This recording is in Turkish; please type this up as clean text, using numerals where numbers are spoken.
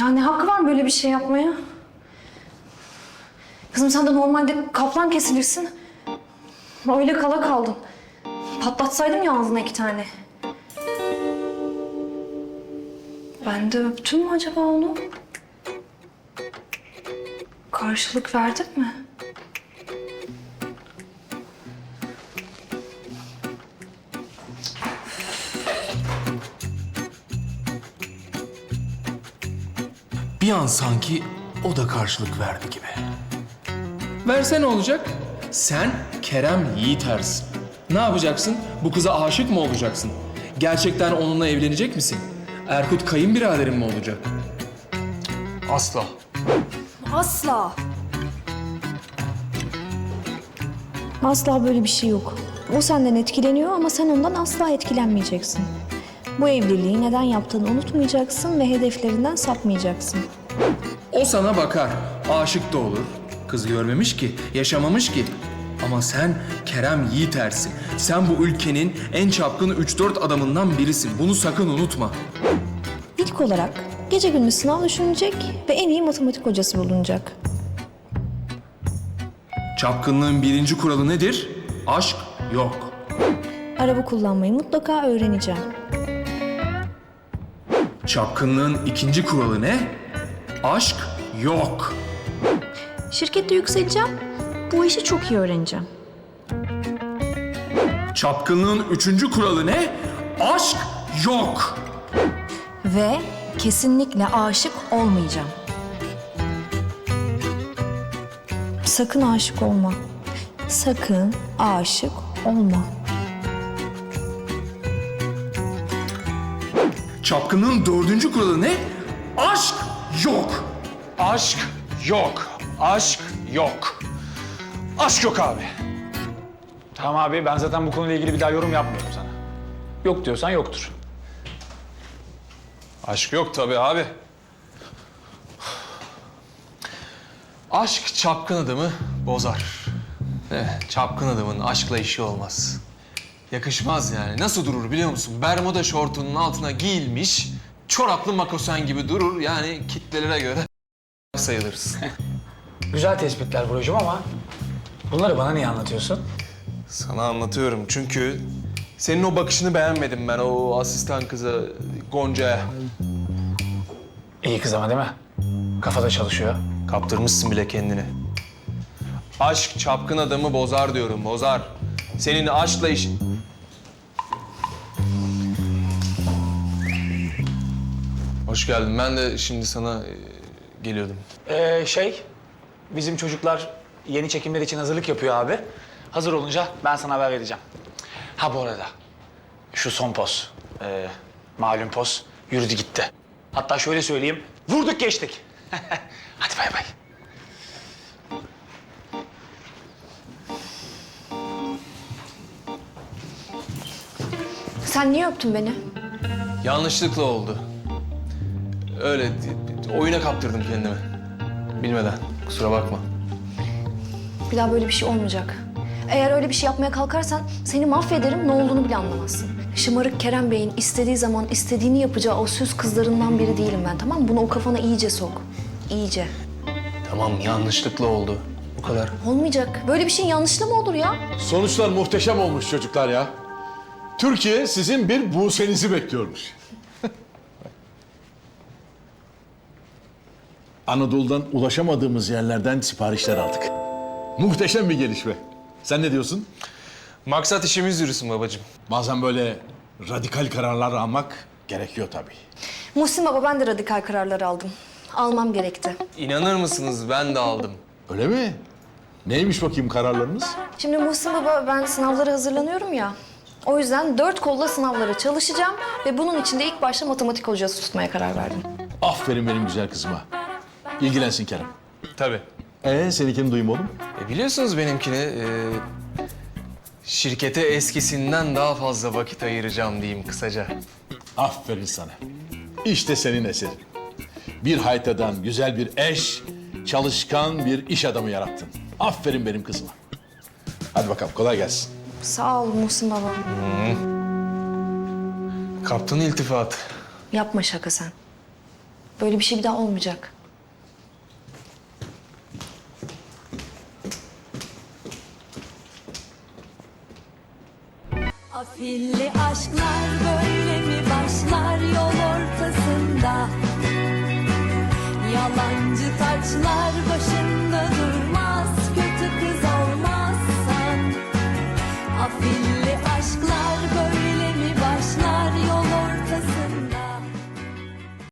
Ya ne hakkı var böyle bir şey yapmaya? Kızım sen de normalde kaplan kesilirsin. Öyle kala kaldın. Patlatsaydım ya ağzına 2 tane. Ben de öptüm mü acaba onu? Karşılık verdik mi? Bir an sanki o da karşılık verdi gibi. Verse ne olacak? Sen Kerem Yiğitersin. Ne yapacaksın? Bu kıza aşık mı olacaksın? Gerçekten onunla evlenecek misin? Erkut kayınbiraderin mi olacak? Asla. Asla. Asla böyle bir şey yok. O senden etkileniyor ama sen ondan asla etkilenmeyeceksin. Bu evliliği neden yaptığını unutmayacaksın ve hedeflerinden sapmayacaksın. O sana bakar, aşık da olur. Kız görmemiş ki, yaşamamış ki. Ama sen Kerem Yiğitersin. Sen bu ülkenin en çapkın 3-4 adamından birisin. Bunu sakın unutma. İlk olarak gece gündüz sınav düşünecek ve en iyi matematik hocası bulunacak. Çapkınlığın birinci kuralı nedir? Aşk yok. Araba kullanmayı mutlaka öğreneceğim. Çapkınlığın ikinci kuralı ne? Aşk yok. Şirkette yükseleceğim. Bu işi çok iyi öğreneceğim. Çapkınlığın üçüncü kuralı ne? Aşk yok. Ve kesinlikle aşık olmayacağım. Sakın aşık olma. Sakın aşık olma. Çapkınlığın dördüncü kuralı ne? Aşk yok. Aşk yok. Aşk yok. Aşk yok abi. Tamam abi, ben zaten bu konuyla ilgili bir daha yorum yapmıyorum sana. Yok diyorsan yoktur. Aşk yok tabii abi. Aşk çapkın adamı bozar. Çapkın adamın aşkla işi olmaz. Yakışmaz yani. Nasıl durur biliyor musun? Bermuda şortunun altına giyilmiş, çoraplı makosen gibi durur. Yani kitlelere göre sayılırız. Güzel tespitler Buracığım ama bunları bana niye anlatıyorsun? Sana anlatıyorum çünkü senin o bakışını beğenmedim ben o asistan kıza Gonca'ya. İyi kız ama değil mi? Kafada çalışıyor. Kaptırmışsın bile kendini. Aşk çapkın adamı bozar diyorum, bozar. Senin aşkla iş... Hoş geldin. Ben de şimdi sana geliyordum. Bizim çocuklar yeni çekimler için hazırlık yapıyor abi. Hazır olunca ben sana haber vereceğim. Ha bu arada, şu son poz, malum poz yürüdü gitti. Hatta şöyle söyleyeyim, vurduk geçtik. Hadi bay bay. Sen niye öptün beni? Yanlışlıkla oldu. Öyle oyuna kaptırdım kendimi. Bilmeden. Kusura bakma. Bir daha böyle bir şey olmayacak. Eğer öyle bir şey yapmaya kalkarsan seni mahvederim, ne olduğunu bile anlamazsın. Şımarık Kerem Bey'in istediği zaman istediğini yapacağı o süs kızlarından biri değilim ben, tamam mı? Bunu o kafana iyice sok. İyice. Tamam yanlışlıkla oldu. Bu kadar. Olmayacak. Böyle bir şeyin yanlışlığı mı olur ya? Sonuçlar muhteşem olmuş çocuklar ya. Türkiye sizin bir Buse'nizi bekliyormuş. Anadolu'dan ulaşamadığımız yerlerden siparişler aldık. Muhteşem bir gelişme. Sen ne diyorsun? Maksat işimiz yürüsün babacığım. Bazen böyle radikal kararlar almak gerekiyor tabii. Muhsin Baba, ben de radikal kararlar aldım. Almam gerekti. İnanır mısınız ben de aldım. Öyle mi? Neymiş bakayım kararlarınız? Şimdi Muhsin Baba, ben sınavlara hazırlanıyorum ya. O yüzden 4 kolla sınavlara çalışacağım ve bunun için de ilk başta matematik hocası tutmaya karar verdim. Aferin benim güzel kızıma. İlgilensin Kerem. Tabii. Seninkini duyayım oğlum. Biliyorsunuz benimkini şirkete eskisinden daha fazla vakit ayıracağım diyeyim kısaca. Aferin sana. İşte senin eserin. Bir haytadan güzel bir eş, çalışkan bir iş adamı yarattın. Aferin benim kızıma. Hadi bakalım kolay gelsin. Sağ ol Muhsin Baba. Kaptın iltifat. Yapma şaka sen. Böyle bir şey bir daha olmayacak. Afilli aşklar böyle mi başlar yol ortasında? Yalancı taçlar